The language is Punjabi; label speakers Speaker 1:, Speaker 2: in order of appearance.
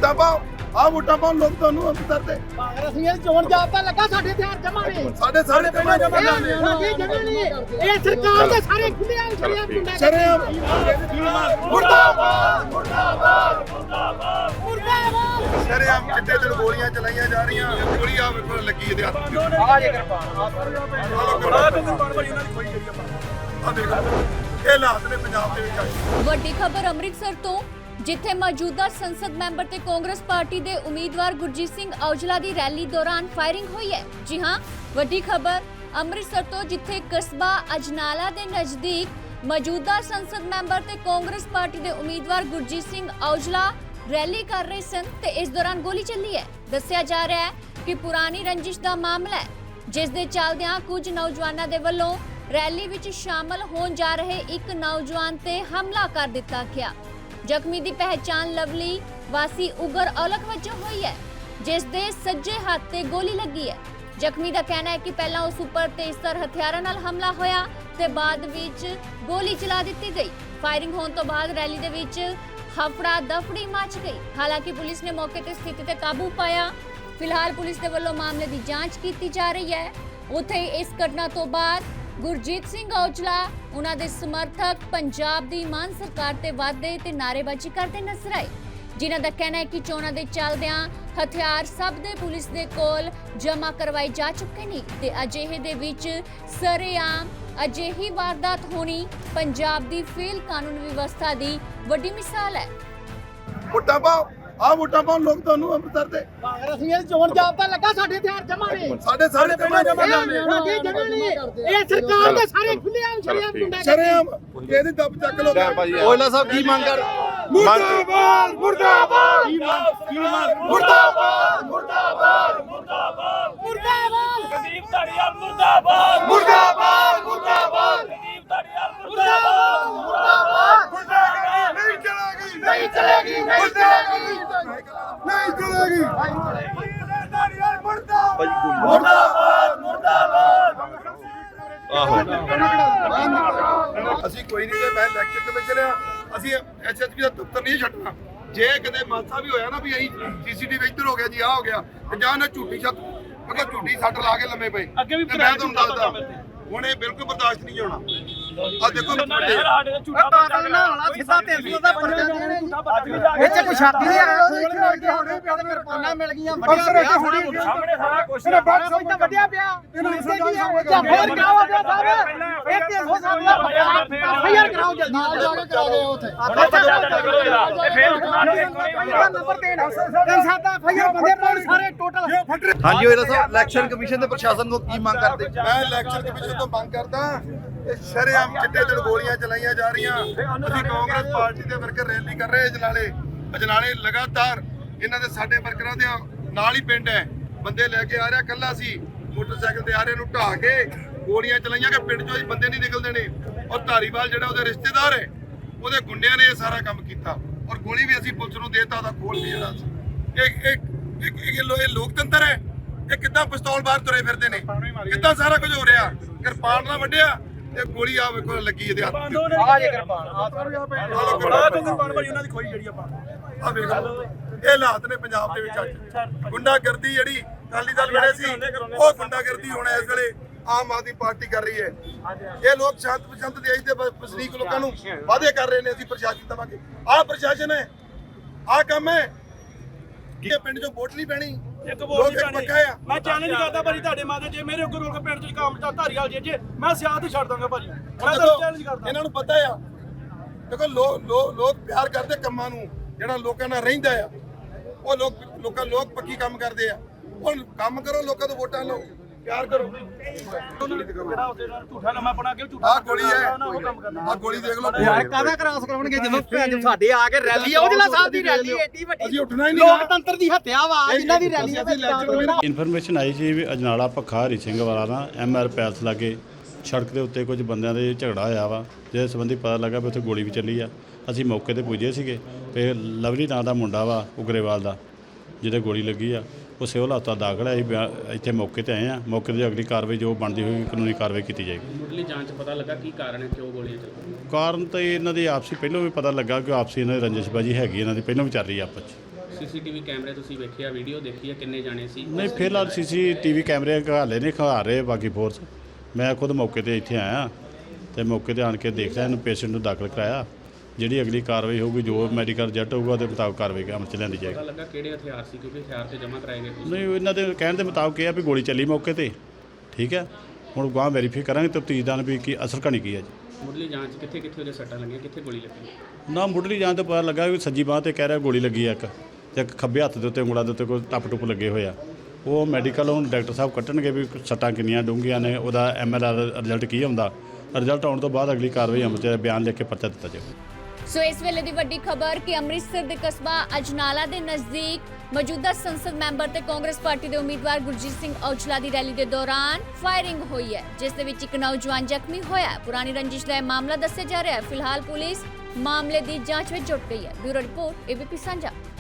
Speaker 1: ਵੋਟਾਂ ਪਾਓ ਵੋਟਾਂ ਪਾਓ ਲੋਕ ਤੁਹਾਨੂੰ ਅੰਦਰ ਦੇ
Speaker 2: ਰਸਮੀਅਤ ਚੋਣ ਜਾਬਤਾ ਲੱਗਾ ਸਾਡੇ ਹਥਿਆਰ ਜਮਾ ਨੇ
Speaker 1: ਸਾਡੇ ਪਹਿਲਾਂ ਜਮਾ ਕਰਨੇ
Speaker 2: ਇਹ ਸਰਕਾਰ ਦੇ ਸਾਰੇ ਖੁੱਲੇ ਆ ਗੁੰਡਾ
Speaker 1: ਸ਼ਰੇਆਮ
Speaker 2: ਮੁਰਦਾਬਾਦ ਮੁਰਦਾਬਾਦ ਮੁਰਦਾਬਾਦ ਮੁਰਦਾਬਾਦ
Speaker 1: ਸ਼ਰੇਆਮ ਚਿੱਟੇ ਦਿਨ ਗੋਲੀਆਂ ਚਲਾਈਆਂ ਜਾ ਰਹੀਆਂ ਗੋਲੀ ਆ ਵੇਖੋ ਲੱਗੀ ਇਹਦੇ ਹੱਥ
Speaker 2: ਆ ਜੇ ਕਿਰਪਾ
Speaker 1: ਆ ਦੇਖੋ ਇਹ ਹਾਲਾਤ ਨੇ ਪੰਜਾਬ ਦੇ ਵਿੱਚ ਆਏ।
Speaker 3: ਵੱਡੀ ਖਬਰ ਅੰਮ੍ਰਿਤਸਰ ਤੋਂ, ਜਿੱਥੇ ਮੌਜੂਦਾ ਸੰਸਦ ਮੈਂਬਰ ਤੇ ਕਾਂਗਰਸ ਪਾਰਟੀ ਦੇ ਉਮੀਦਵਾਰ ਗੁਰਜੀਤ ਸਿੰਘ ਔਜਲਾ ਦੀ ਰੈਲੀ ਦੌਰਾਨ ਫਾਇਰਿੰਗ ਹੋਈ ਹੈ। ਜੀ ਹਾਂ, ਵੱਡੀ ਖਬਰ ਅੰਮ੍ਰਿਤਸਰ ਤੋਂ, ਜਿੱਥੇ ਕਸਬਾ ਅਜਨਾਲਾ ਦੇ ਨਜ਼ਦੀਕ ਮੌਜੂਦਾ ਸੰਸਦ ਮੈਂਬਰ ਤੇ ਕਾਂਗਰਸ ਪਾਰਟੀ ਦੇ ਉਮੀਦਵਾਰ ਗੁਰਜੀਤ ਸਿੰਘ ਔਜਲਾ ਰੈਲੀ ਕਰ ਰਹੇ ਸਨ ਤੇ ਇਸ ਦੌਰਾਨ ਗੋਲੀ ਚੱਲੀ ਹੈ। ਦੱਸਿਆ ਜਾ ਰਿਹਾ ਹੈ ਕਿ ਪੁਰਾਣੀ ਰੰਜਿਸ਼ ਦਾ ਮਾਮਲਾ ਹੈ, ਜਿਸ ਦੇ ਚੱਲਦਿਆਂ ਕੁਝ ਨੌਜਵਾਨਾਂ ਦੇ ਵੱਲੋਂ ਰੈਲੀ ਵਿੱਚ ਸ਼ਾਮਲ ਹੋਣ ਜਾ ਰਹੇ ਇੱਕ ਨੌਜਵਾਨ ਤੇ ਹਮਲਾ ਕਰ ਦਿੱਤਾ ਗਿਆ। ਜ਼ਖਮੀ ਦੀ ਪਹਿਚਾਣ ਲਵਲੀ ਵਾਸੀ ਉਗਰ ਔਲਖ ਵਜੋਂ ਹੋਈ ਹੈ, ਜਿਸ ਦੇ ਸੱਜੇ ਹੱਥ ਤੇ ਗੋਲੀ ਲੱਗੀ ਹੈ। ਜ਼ਖਮੀ ਦਾ ਕਹਿਣਾ ਹੈ ਕਿ ਪਹਿਲਾਂ ਉਸ ਉੱਪਰ ਤੇਜ਼ਧਾਰ ਹਥਿਆਰਾਂ ਨਾਲ ਹਮਲਾ ਹੋਇਆ ਤੇ ਬਾਅਦ ਵਿੱਚ ਗੋਲੀ ਚਲਾ ਦਿੱਤੀ ਗਈ। ਫਾਇਰਿੰਗ ਹੋਣ ਤੋਂ ਬਾਅਦ ਰੈਲੀ ਦੇ ਵਿੱਚ ਹਫੜਾ ਦਫੜੀ ਮਚ ਗਈ। ਹਾਲਾਂਕਿ ਪੁਲਿਸ ਨੇ ਮੌਕੇ ਤੇ ਸਥਿਤੀ ਤੇ ਕਾਬੂ ਪਾਇਆ। ਫਿਲਹਾਲ ਪੁਲਿਸ ਦੇ ਵੱਲੋਂ ਮਾਮਲੇ ਦੀ ਜਾਂਚ ਕੀਤੀ ਜਾ ਰਹੀ ਹੈ। ਉੱਥੇ ਇਸ ਘਟਨਾ ਤੋਂ ਬਾਅਦ ਗੁਰਜੀਤ ਸਿੰਘ ਔਜਲਾ ਉਹਨਾਂ ਦੇ ਸਮਰਥਕ ਪੰਜਾਬ ਦੀ ਮਾਨ ਸਰਕਾਰ ਤੇ ਵਾਅਦੇ ਤੇ ਨਾਅਰੇਬਾਜ਼ੀ ਕਰਦੇ ਨਜ਼ਰ ਆਏ, ਜਿਨ੍ਹਾਂ ਦਾ ਕਹਿਣਾ ਹੈ ਕਿ ਚੋਣਾਂ ਦੇ ਚੱਲਦਿਆਂ ਹਥਿਆਰ ਸਭ ਦੇ ਪੁਲਿਸ ਦੇ ਕੋਲ ਜਮ੍ਹਾਂ ਕਰਵਾਏ ਜਾ ਚੁੱਕੇ ਨੇ ਤੇ ਅਜਿਹੇ ਦੇ ਵਿੱਚ ਸਰੇਆਮ ਅਜਿਹੀ ਵਾਰਦਾਤ ਹੋਣੀ ਪੰਜਾਬ ਦੀ ਫੇਲ ਕਾਨੂੰਨ ਵਿਵਸਥਾ ਦੀ ਵੱਡੀ ਮਿਸਾਲ ਹੈ।
Speaker 1: ਵੋਟਾਂ ਪਾਓ ਵੋਟਾਂ ਪਾਓ ਲੋਕ ਤੁਹਾਨੂੰ ਅੰਦਰ ਦੇ
Speaker 2: ਰਸਮੀਅਤ ਚੋਣ ਜਾਬਤਾ ਲੱਗਾ ਸਾਡੇ ਹਥਿਆਰ ਜਮਾ ਨੇ
Speaker 1: ਸਾਡੇ ਪਹਿਲਾਂ ਜਮਾ ਕਰਨੇ
Speaker 2: ਇਹ ਸਰਕਾਰ ਦੇ ਸਾਰੇ ਖੁੱਲੇ ਆ ਗੁੰਡਾ
Speaker 1: ਸ਼ਰੇਆਮ ਇਹਦੀ ਦੱਬ ਚੱਕ ਲੋ
Speaker 4: ਔਜਲਾ ਸਾਹਿਬ ਕੀ ਮੰਗ ਕਰ
Speaker 1: ਮੁਰਦਾਬਾਦ ਮੁਰਦਾਬਾਦ
Speaker 2: ਮੁਰਦਾਬਾਦ ਮੁਰਦਾਬਾਦ ਮੁਰਦਾਬਾਦ ਮੁਰਦਾਬਾਦ
Speaker 5: ਗਰੀਬ ਧੜੀਆ ਮੁਰਦਾਬਾਦ
Speaker 1: ਮੁਰਦਾਬਾਦ ਮੁਰਦਾਬਾਦ
Speaker 5: ਗਰੀਬ ਧੜੀਆ
Speaker 2: ਮੁਰਦਾਬਾਦ ਮੁਰਦਾਬਾਦ
Speaker 1: ਨਹੀਂ ਚਲੇਗੀ
Speaker 2: ਨਹੀਂ ਚਲੇਗੀ ਨਹੀਂ ਚਲੇਗੀ
Speaker 1: ਨਹੀਂ ਚਲੇਗੀ
Speaker 5: ਮੁਰਦਾਬਾਦ ਮੁਰਦਾਬਾਦ
Speaker 4: ਆਹੋ
Speaker 1: ਅਸੀਂ ਕੋਈ ਨਹੀਂ ਜੇ ਮੈਂ ਇਲੈਕਸ਼ਨ ਕਮਿਸ਼ਨ ਆ ਅਸੀਂ ਐਸਐਸਪੀ ਦਾ ਦਫ਼ਤਰ ਨਹੀਂ ਛੱਡਣਾ। ਜੇ ਕਦੇ ਮਾਸਾ ਵੀ ਹੋਇਆ ਨਾ ਵੀ ਅਸੀਂ ਸੀਸੀਟੀਵੀ ਇੱਧਰ ਹੋ ਗਿਆ ਜੀ ਆ ਹੋ ਗਿਆ ਤੇ ਜਾਂ ਨਾ ਝੂਠੀ ਛੱਤ ਮਤਲਬ ਝੂਠੀ ਸੱਟ ਲਾ ਕੇ ਲੰਮੇ ਪਏ
Speaker 5: ਅੱਗੇ ਵੀ
Speaker 1: ਤੇ ਮੈਂ ਤੁਹਾਨੂੰ ਦੱਸਦਾ ਹੁਣ ਇਹ ਬਿਲਕੁਲ ਬਰਦਾਸ਼ਤ ਨਹੀਂ ਹੋਣਾ। ਆ ਦੇਖੋ
Speaker 5: ਸਾਡੇ ਤੇ ਝੂਠਾ
Speaker 2: ਬਾਦਲ ਨਾਲ ਵਾਲਾ ਸਿੱਧਾ 300 ਦਾ ਪਰਚਾ ਦੇਣੇ ਇੱਥੇ ਕੋਈ ਛਾਤੀ ਨਹੀਂ ਆ ਹੋਣੇ ਪਿਆ ਤੇ ਮੇਰੇ ਕੋਨਾ ਮਿਲ ਗਈਆਂ ਵੱਡੀਆਂ ਪਿਆ
Speaker 5: ਸਾਹਮਣੇ ਸਾਰਾ ਕੁਝ
Speaker 2: ਕੋਈ ਤਾਂ ਵੱਡਿਆ ਪਿਆ ਇਸੇ ਕੀ ਹੈ ਜਾਂ ਫੇਰ ਕਰਾਓ ਜੀ ਸਾਹਿਬ ਇਹ 300 ਸਾਹਿਬ ਦਾ ਫਾਇਰ ਕਰਾਓ ਜਲਦੀ ਨਾਲ ਜਾ ਕੇ ਕਰਾ ਦੇ ਉੱਥੇ
Speaker 5: ਤੇ ਫੇਰ ਉਠਣਾ
Speaker 2: ਨੰਬਰ 3 ਸਾਡਾ ਫਾਇਰ ਬੰਦੇ ਪਾਉਣ ਸਾਰੇ ਟੋਟਲ
Speaker 4: ਹਾਂਜੀ ਔਜਲਾ ਸਾਹਿਬ ਇਲੈਕਸ਼ਨ ਕਮਿਸ਼ਨ ਤੇ ਪ੍ਰਸ਼ਾਸਨ ਨੂੰ ਕੀ ਮੰਗ ਕਰਦੇ?
Speaker 1: ਮੈਂ ਇਲੈਕਸ਼ਨ ਕਮਿਸ਼ਨ ਤੋਂ ਮੰਗ ਕਰਦਾ ਕਿ ਸ਼ਰੇਆਮ ਚਿੱਟੇ ਦਿਨ ਗੋਲੀਆਂ ਚਲਾਈਆਂ ਜਾ ਰਹੀਆਂ। ਅਸੀਂ ਕਾਂਗਰਸ ਪਾਰਟੀ ਦੇ ਵਰਕਰ ਰੈਲੀ ਕਰ ਰਹੇ ਅਜਨਾਲੇ ਲਗਾਤਾਰ ਇਹਨਾਂ ਦੇ ਸਾਡੇ ਵਰਕਰਾਂ ਦੇ ਨਾਲ ਹੀ ਪਿੰਡ ਹੈ। ਬੰਦੇ ਲੈ ਕੇ ਆ ਰਿਹਾ, ਕੱਲਾ ਸੀ ਮੋਟਰਸਾਈਕਲ ਤੇ ਆ ਰਹੇ ਨੂੰ ਢਾਹ ਕੇ ਗੋਲੀਆਂ ਚਲਾਈਆਂ ਕਿ ਪਿੰਡ ਚੋਂ ਹੀ ਬੰਦੇ ਨਹੀਂ ਨਿਕਲਦੇ ਨੇ। ਔਰ ਧਾਰੀਵਾਲ ਜਿਹੜਾ ਉਹਦੇ ਰਿਸ਼ਤੇਦਾਰ ਹੈ ਉਹਦੇ ਗੁੰਡਿਆਂ ਨੇ ਇਹ ਸਾਰਾ ਕੰਮ ਕੀਤਾ ਔਰ ਗੋਲੀ ਵੀ ਅਸੀਂ ਪੁਲਿਸ ਨੂੰ ਦੇਤਾ ਉਹਦਾ ਖੋਲ ਵੀ ਜਿਹੜਾ ਸੀ। ਇਹ ਲੋਕਤੰਤਰ ਹੈ। ਇਹ ਕਿੱਦਾਂ ਪਿਸਤੌਲ ਬਾਹਰ ਤੁਰੇ ਫਿਰਦੇ ਨੇ, ਕਿੱਦਾਂ ਸਾਰਾ ਕੁਝ ਹੋ ਰਿਹਾ। ਕਿਰਪਾਨ ਨਾਲ ਵੱਢਿਆ ਤੇ ਗੋਲੀ ਆ ਵੇਖੋ ਲੱਗੀ ਇਹਦੇ ਹੱਥ
Speaker 2: ਆ ਜੇ ਕਿਰਪਾਨ
Speaker 5: ਉਹਨਾਂ ਦੀ ਖੋਈ ਜਿਹੜੀ ਆਪਾਂ
Speaker 1: ਆ ਵੇਖੋ ਇਹ ਹਾਲਾਤ ਨੇ ਪੰਜਾਬ ਦੇ ਵਿੱਚ ਅੱਜ। ਗੁੰਡਾਗਰਦੀ ਜਿਹੜੀ ਅਕਾਲੀ ਦਲ ਵੇਲੇ ਸੀ ਉਹ ਗੁੰਡਾਗਰਦੀ ਹੁਣ ਇਸ ਵੇਲੇ ਆਮ ਆਦਮੀ ਪਾਰਟੀ ਕਰ ਰਹੀ ਹੈ। ਇਹ ਲੋਕ ਸ਼ਾਂਤ ਪਸੰਦ ਦੇਸ਼ ਦੇ ਵਸਨੀਕ ਲੋਕਾਂ ਨੂੰ ਵਾਅਦੇ ਕਰ ਰਹੇ ਨੇ ਅਸੀਂ ਪ੍ਰਸ਼ਾਸਨ ਦੇਵਾਂਗੇ। ਆਹ ਪ੍ਰਸ਼ਾਸਨ ਹੈ, ਆਹ ਕੰਮ ਹੈ ਕਿ ਪਿੰਡ ਚੋਂ ਵੋਟ ਨਹੀਂ ਪੈਣੀ।
Speaker 5: ਇੱਕ ਵੋਟ ਨਹੀਂ ਪੈਣੀ। ਮੈਂ ਚੈਲੰਜ ਕਰਦਾ ਭਾਜੀ ਤੁਹਾਡੇ ਮਾਤੇ ਜੇ ਮੇਰੇ ਉੱਪਰ ਰੋਕ ਪਿੰਡ ਚ ਕੰਮ ਤਾਂ ਧਾਰੀਵਾਲ ਜੇ ਮੈਂ ਸਿਆਸਤ ਹੀ ਛੱਡ ਦਾਂਗਾ ਭਾਜੀ। ਮੈਂ ਤਾਂ ਚੈਲੰਜ ਕਰਦਾ।
Speaker 1: ਇਹਨਾਂ ਨੂੰ ਪਤਾ ਆ ਦੇਖੋ ਲੋਕ ਪਿਆਰ ਕਰਦੇ ਕੰਮਾਂ ਨੂੰ, ਜਿਹੜਾ ਲੋਕਾਂ ਨਾਲ ਰਹਿੰਦਾ ਆ ਉਹ ਲੋਕ ਪੱਕੀ ਕੰਮ ਕਰਦੇ ਆ। ਹੁਣ ਕੰਮ ਕਰੋ, ਲੋਕਾਂ ਤੋਂ ਵੋਟਾਂ ਲਓ, ਪਿਆਰ ਕਰੋ।
Speaker 5: ਜਿਹੜਾ ਉਹਦੇ ਨਾਲ ਝੂਠਾ ਲੰਮਾ ਪਣਾ ਕੇ ਝੂਠਾ
Speaker 1: ਆਹ ਗੋਲੀ ਹੈ, ਆਹ ਗੋਲੀ ਦੇਖ ਲਓ।
Speaker 2: ਯਾਰ ਕਾਹਦਾ ਕ੍ਰਾਸ ਕਰਾਉਣਗੇ ਜਦੋਂ ਭੈਣ ਸਾਡੇ ਆ ਕੇ ਰੈਲੀ ਆ ਔਜਲਾ ਸਾਹਿਬ ਦੀ ਰੈਲੀ ਏਡੀ ਵੱਡੀ
Speaker 1: ਅਸੀਂ ਉੱਠਣਾ ਹੀ ਨਹੀਂ।
Speaker 2: ਲੋਕਤੰਤਰ ਦੀ ਹੱਤਿਆ ਵਾ ਜਿਨ੍ਹਾਂ ਦੀ ਰੈਲੀ ਆ।
Speaker 6: ਇਨਫੋਰਮੇਸ਼ਨ ਆਈ ਸੀ ਵੀ ਅਜਨਾਲਾ ਪੱਖਾ ਹਰੀ ਸਿੰਘ ਵਾਲਾ ਨਾ MR ਪੈਲਸ ਲਾਗੇ ਸੜਕ ਦੇ ਉੱਤੇ ਕੁਝ ਬੰਦਿਆਂ ਦੇ ਝਗੜਾ ਹੋਇਆ ਵਾ, ਜਿਹਦੇ ਸੰਬੰਧੀ ਪਤਾ ਲੱਗਾ ਵੀ ਉੱਥੇ ਗੋਲੀ ਵੀ ਚੱਲੀ ਆ। ਅਸੀਂ ਮੌਕੇ ਤੇ ਪੁੱਜੇ ਸੀਗੇ ਤੇ ਲਵਲੀ ਨਾਂ ਦਾ ਮੁੰਡਾ ਵਾ ਉਗਰੇਵਾਲ ਦਾ, ਜਿਹਦੇ ਗੋਲੀ ਲੱਗੀ ਆ, ਉਹ ਸਿਵਲ ਹਸਪਤਾਲ ਦਾਖਲ ਹੈ। ਅਸੀਂ ਇੱਥੇ ਮੌਕੇ ਤੇ ਆਏ ਆ। ਮੌਕੇ ਤੇ ਅਗਲੀ ਕਾਰਵਾਈ ਜੋ ਬਣਦੀ ਹੋਈ ਕਾਨੂੰਨੀ ਕਾਰਵਾਈ ਕੀਤੀ ਜਾਏਗੀ।
Speaker 7: ਮੁੱਢਲੀ ਜਾਂਚ ਪਤਾ ਲੱਗਾ ਕੀ ਕਾਰਨ ਹੈ, ਕਿਉਂ ਗੋਲੀਆਂ ਚੱਲੀਆਂ?
Speaker 6: ਕਾਰਨ ਤਾਂ ਇਹਨਾਂ ਦੀ ਆਪਸੀ ਪਹਿਲਾਂ ਵੀ ਪਤਾ ਲੱਗਾ ਕਿ ਆਪਸੀ ਇਹਨਾਂ ਦੀ ਰੰਜਿਸ਼ਬਾਜੀ ਹੈਗੀ, ਇਹਨਾਂ ਦੀ ਪਹਿਲਾਂ ਵੀ ਚੱਲ ਰਹੀ ਆਪਸ 'ਚ।
Speaker 7: ਸੀਸੀਟੀਵੀ ਕੈਮਰੇ ਤੁਸੀਂ ਵੇਖਿਆ, ਵੀਡੀਓ ਦੇਖੀ ਹੈ, ਕਿੰਨੇ ਜਾਣੇ ਸੀ?
Speaker 6: ਨਹੀਂ ਫਿਲਹਾਲ ਸੀਸੀਟੀਵੀ ਕੈਮਰੇ ਹਾਲੇ ਨਹੀਂ ਖਿਲਾ ਰਹੇ ਬਾਕੀ ਫੋਰਸ। ਮੈਂ ਖੁਦ ਮੌਕੇ ਤੇ ਇੱਥੇ ਆਇਆ ਤੇ ਮੌਕੇ ਤੇ ਆਣ ਕੇ ਦੇਖ ਲਿਆ, ਇਹਨੂੰ ਪੇਸ਼ੈਂਟ ਨੂੰ ਦਾਖਲ ਕਰਾਇਆ। ਜਿਹੜੀ ਅਗਲੀ ਕਾਰਵਾਈ ਹੋਊਗੀ, ਜੋ ਮੈਡੀਕਲ ਰਿਜ਼ਲਟ ਹੋਊਗਾ ਉਹਦੇ ਮੁਤਾਬਕ ਕਾਰਵਾਈ ਅਮਲ 'ਚ ਲਿਆਂਦੀ ਜਾਏਗੀ।
Speaker 7: ਪਤਾ ਲੱਗਾ ਕਿਹੜੇ ਹਥਿਆਰ ਸੀ, ਕਿਉਂਕਿ ਹਥਿਆਰ ਤੇ ਜਮ੍ਹਾਂ ਕਰਾਏ ਗਏ ਕੁਛ?
Speaker 6: ਨਹੀਂ ਇਹਨਾਂ ਦੇ ਕਹਿਣ ਦੇ ਮੁਤਾਬਕ ਇਹ ਆ ਵੀ ਗੋਲੀ ਚੱਲੀ ਮੌਕੇ ਤੇ, ਠੀਕ ਹੈ। ਹੁਣ ਗਾਂ ਵੈਰੀਫਾਈ ਕਰਾਂਗੇ ਤਫਤੀਸ਼ਦਾਰ ਵੀ ਕੀ ਅਸਲ ਕਹਾਣੀ ਕੀ ਹੈ ਜੀ।
Speaker 7: ਮੁੱਢਲੀ ਜਾਂਚ ਕਿੱਥੇ ਕਿੱਥੇ ਉਹਦੇ ਸੱਟਾਂ ਲੱਗੀਆਂ, ਕਿੱਥੇ ਗੋਲੀ ਲੱਗੀ?
Speaker 6: ਨਾ ਮੁੱਢਲੀ ਜਾਂਚ ਤੋਂ ਪਤਾ ਲੱਗਾ ਵੀ ਸੱਜੀ ਬਾਂਹ ਤੇ ਕਹਿ ਰਿਹਾ ਗੋਲੀ ਲੱਗੀ ਆ ਇੱਕ, ਤੇ ਇੱਕ ਖੱਬੇ ਹੱਥ ਦੇ ਉੱਤੇ ਉਂਗਲਾਂ ਦੇ ਉੱਤੇ ਕੋਈ ਟੱਪ ਲੱਗੇ ਹੋਏ ਆ। ਉਹ ਮੈਡੀਕਲ ਹੁਣ ਡਾਕਟਰ ਸਾਹਿਬ ਕੱਟਣਗੇ ਵੀ ਸੱਟਾਂ ਕਿੰਨੀਆਂ ਡੂੰਘੀਆਂ ਨੇ, ਉਹਦਾ MRI ਰਿਜ਼ਲਟ ਕੀ ਆਉਂਦਾ। ਰਿਜ਼ਲਟ ਆਉਣ ਤੋਂ ਬਾਅਦ ਅਗਲੀ ਕਾਰਵਾਈ ਅਮਲ 'ਚ ਬਿਆਨ ਲਿਖ ਕੇ ਪਰਚਾ ਦਿੱਤਾ ਜਾਵੇ।
Speaker 3: ਸੋ ਇਸ ਵੇਲੇ ਦੀ ਵੱਡੀ ਖਬਰ ਕਿ ਅੰਮ੍ਰਿਤਸਰ ਦੇ ਕਸਬਾ ਅਜਨਾਲਾ ਦੇ ਨਜ਼ਦੀਕ ਮੌਜੂਦਾ ਸੰਸਦ ਮੈਂਬਰ ਤੇ ਕਾਂਗਰਸ ਪਾਰਟੀ ਦੇ ਉਮੀਦਵਾਰ ਗੁਰਜੀਤ ਸਿੰਘ ਔਜਲਾ ਦੀ ਰੈਲੀ ਦੇ ਦੌਰਾਨ ਫਾਇਰਿੰਗ ਹੋਈ ਹੈ, ਜਿਸ ਦੇ ਵਿੱਚ ਇੱਕ ਨੌਜਵਾਨ ਜ਼ਖਮੀ ਹੋਇਆ। ਪੁਰਾਣੀ ਰੰਜਿਸ਼ ਦਾ ਇਹ ਮਾਮਲਾ ਦੱਸਿਆ ਜਾ ਰਿਹਾ ਹੈ। ਫਿਲਹਾਲ ਪੁਲਿਸ ਮਾਮਲੇ ਦੀ ਜਾਂਚ ਵਿੱਚ ਜੁਟ ਗਈ ਹੈ। ਬਿਊਰੋ ਰਿਪੋਰਟ ABP ਸਾਂਝਾ।